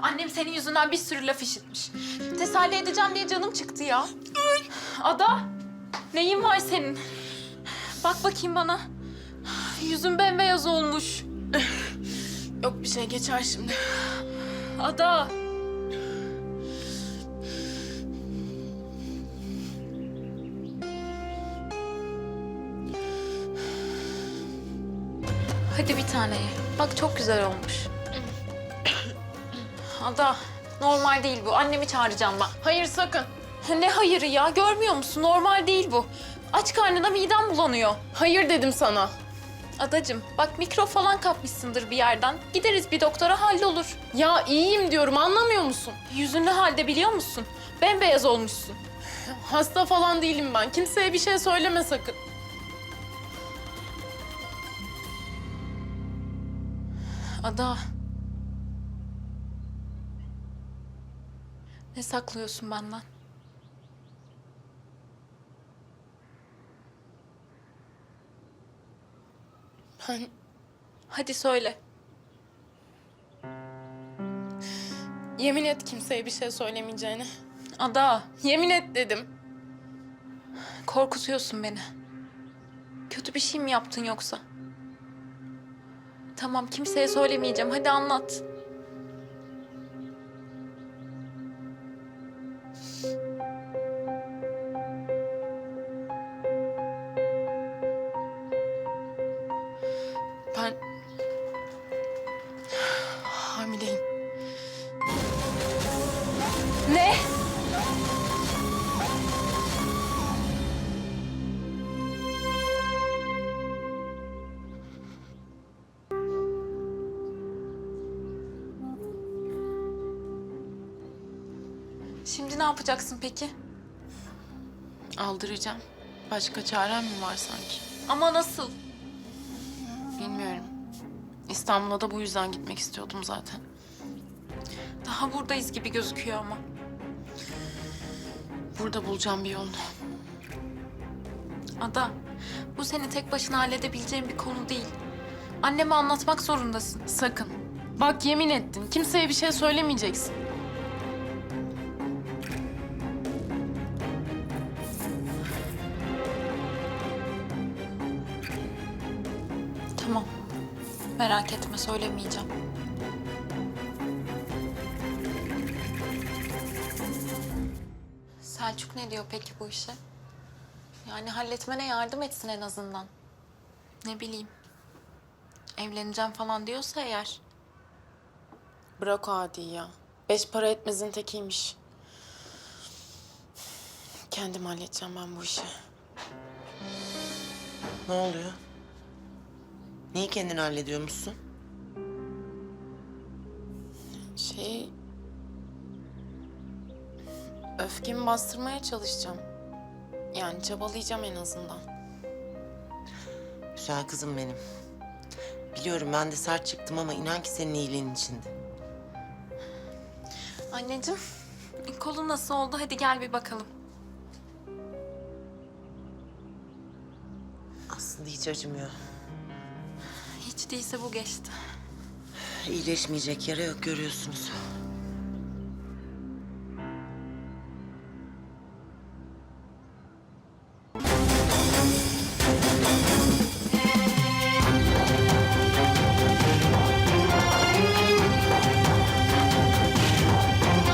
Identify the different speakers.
Speaker 1: Annem senin yüzünden bir sürü laf işitmiş. Teselli edeceğim diye canım çıktı ya. Ada, neyin var senin? Bak bakayım bana. Yüzün bembeyaz olmuş.
Speaker 2: Yok bir şey, geçer şimdi.
Speaker 1: Ada. Hadi bir tane ye. Bak çok güzel olmuş. Ada, normal değil bu. Annemi çağıracağım ben.
Speaker 2: Hayır, sakın.
Speaker 1: Ne hayırı ya? Görmüyor musun? Normal değil bu. Aç karnına midem bulanıyor.
Speaker 2: Hayır dedim sana.
Speaker 1: Adacığım, bak mikrop falan kapmışsındır bir yerden. Gideriz bir doktora, hallolur.
Speaker 2: Ya iyiyim diyorum, anlamıyor musun?
Speaker 1: Yüzün ne halde biliyor musun? Bembeyaz olmuşsun.
Speaker 2: Hasta falan değilim ben. Kimseye bir şey söyleme sakın.
Speaker 1: Ada. Ne saklıyorsun benden?
Speaker 2: Ben
Speaker 1: Hadi söyle.
Speaker 2: yemin et kimseye bir şey söylemeyeceğine.
Speaker 1: Ada,
Speaker 2: Yemin et dedim.
Speaker 1: korkutuyorsun beni. Kötü bir şey mi yaptın yoksa? Tamam, kimseye söylemeyeceğim. Hadi anlat.
Speaker 2: Ben hamileyim.
Speaker 1: Ne? Şimdi ne yapacaksın peki?
Speaker 2: Aldıracağım. Başka çarem mi var sanki?
Speaker 1: Ama nasıl?
Speaker 2: Bilmiyorum. İstanbul'a da bu yüzden gitmek istiyordum zaten.
Speaker 1: Daha buradayız gibi gözüküyor ama.
Speaker 2: Burada bulacağım bir yolunu.
Speaker 1: Ada, bu seni tek başına halledebileceğin bir konu değil. Anneme anlatmak zorundasın.
Speaker 2: Sakın. Bak yemin ettin. Kimseye bir şey söylemeyeceksin.
Speaker 1: Tamam. Merak etme, söylemeyeceğim. Selçuk ne diyor peki bu işe? Yani halletmene yardım etsin en azından. Ne bileyim. Evleneceğim falan diyorsa eğer.
Speaker 2: Bırak o Adi'yi ya. Beş para etmezin tekiymiş. Kendim halledeceğim ben bu işi.
Speaker 3: Ne oluyor? Niye kendini hallediyormuşsun?
Speaker 2: Öfkemi bastırmaya çalışacağım. Yani çabalayacağım en azından.
Speaker 3: Güzel kızım benim. Biliyorum ben de sert çıktım ama inan ki senin iyiliğin içindi.
Speaker 1: Anneciğim, kolun nasıl oldu? Hadi gel bir bakalım.
Speaker 3: Aslında hiç acımıyor.
Speaker 1: Hiç değilse bu geçti.
Speaker 3: İyileşmeyecek yara yok görüyorsunuz.